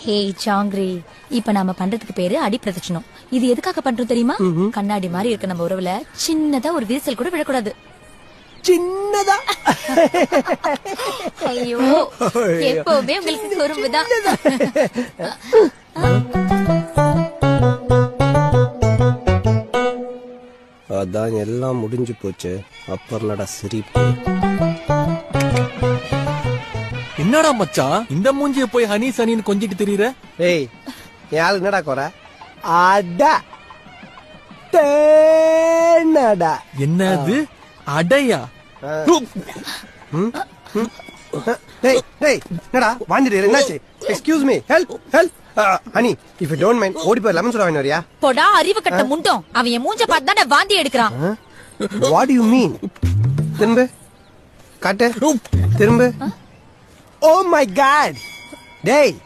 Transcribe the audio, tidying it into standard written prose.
ஹே சாங்கிரி, இப்ப நாம பண்றதுக்கு பேரு அடி பிரதட்சணம். இது எதுக்காக பண்றோம் தெரியுமா? கண்ணாடி மாதிரி இருக்க நம்ம உறவுல சின்னதா ஒரு விரிசல் கூட விழக்கூடாது. சின்னதா ஐயோ, எப்பவுமே உங்களுக்கு குறும்புதான். அதான் எல்லாம் முடிஞ்சு போச்சு. அப்புறம்டா சிரிப்பு. என்னடா மச்சான் இந்த மூஞ்சிய போய் ஹனி சனின்னு கொஞ்சிட்டு தெரியுற? ஏய் யாரு என்னடா குறை? அடா தேனடா. என்னது அடையா? டேய் டேய் என்னடா வாந்திடு என்னாச்சு? Excuse me, help help. Honey if you don't mind ஓடி போய் லெமன் சோடா வாங்கி வரியா? போடா அறிவு கட்ட முண்டம். அவன் என் மூஞ்ச பார்த்து தானே வாந்தி எடுக்கிறான். What you mean? திரும்ப காட்டு திரும்ப. Oh my god. டேய்